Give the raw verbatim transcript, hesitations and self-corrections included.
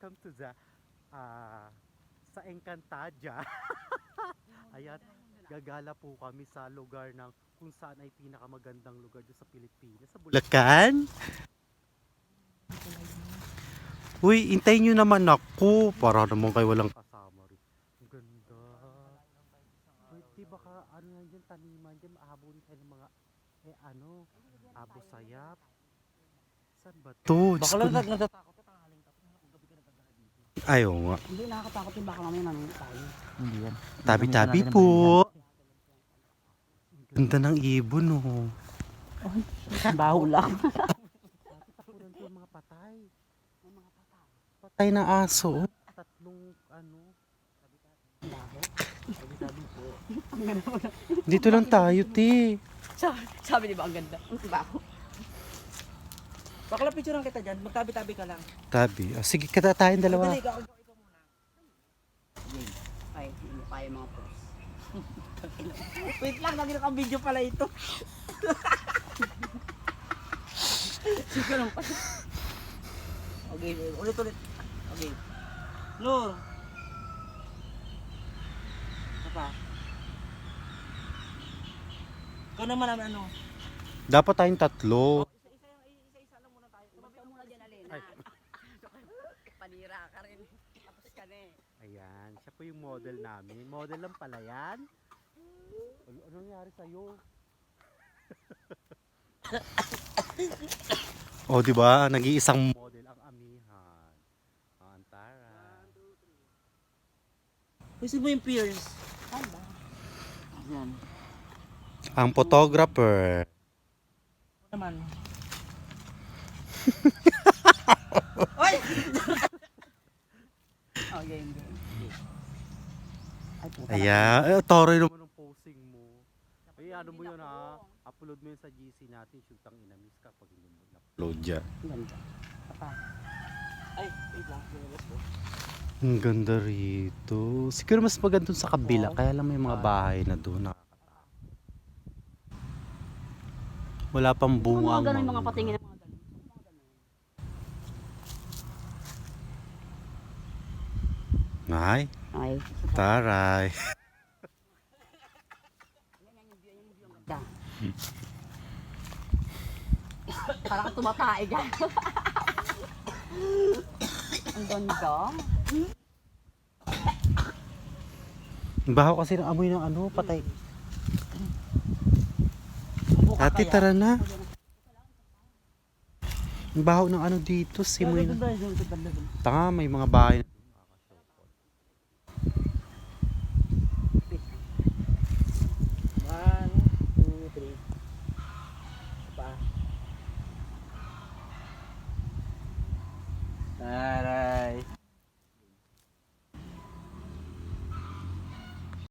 welcome to the ah sa Encantadia. Ayan, gagala po kami sa lugar ng kung saan ay pinakamagandang lugar doon sa Pilipinas, sa Bulacan. Uy, hintayin nyo naman ako. Para naman kayo walang kasama rin. Ang ganda. Uy, di baka ano yan dyan, taniman dyan, maahabon kayo ng mga, eh ano, abo sayap. Saan ba to? Diyos Baka ko lang na. natatakot ka, tanghaling tapos kung gabi ka nagdadala dito. Ayaw nga. Hindi nakakatakot yung baka mamaya mamaya tayo. Hindi yan. Tabi-tabi po. Ang ganda ng ibon, oh. Baho lang. Tapunan ko yung mga patay. Patay na aso. Oh. Tatlong ano. Dito lang tayo, te. sabi, sabi di ba ang ganda? Ang baho. Bakla picture kita dyan, magtabi-tabi ka lang. Tabi. Oh, sige, kita tayong dalawa. Dali, ikaw, ikaw, ikaw muna. Ay, hindi kaya mga pros. Wait lang, naging video pala ito. Sige lang pa. Okay, ulit-ulit. Okay. Lur. Apa? Ikaw naman ang ano. Dapat tayong tatlo. Isa-isa isa-isa lang muna tayo. Tumabi ka muna dyan, Alena. Ay. Panira ka rin. Tapos ka na eh. Ayan, siya po yung model namin. Model lang pala yan. Ano, ano nangyari sa'yo? Oh, di ba? Nag-iisang model ang amihan. Ang Antara. Gusto mo yung peers? Saan ba? Yan. Ang photographer. Ano naman? Oy! Oh, game, game. Ay, puta. Ayan. Eh, toroy naman ang posing mo. Ay, ano mo yun ha? Upload mo yun sa G C natin. Shoot ang inamis ka pag hindi mo na-upload dyan. Ang ganda. Papa. Ay, wait lang. Lumabas ko. Ang ganda rito. Siguro mas maganda dun sa kabila. Kaya lang may mga bahay na doon. Nakakatakot. Wala pang bunga ang Mga ganun yung mga mangga. patingin ng mga ganun. Mga ganun. Ay, Ay. taray. Yan, yan yung view, yan yung view ang ganda. Parang tumatae dyan. Ang ganda. Ang baho kasi ng amoy ng ano, patay. Buka Ate, kaya? tara na. Ang baho ng ano dito, simoy Doon, na. doon, doon, doon, doon, doon. Tanga, may mga bahay na. One, two, three. Pa. Tara.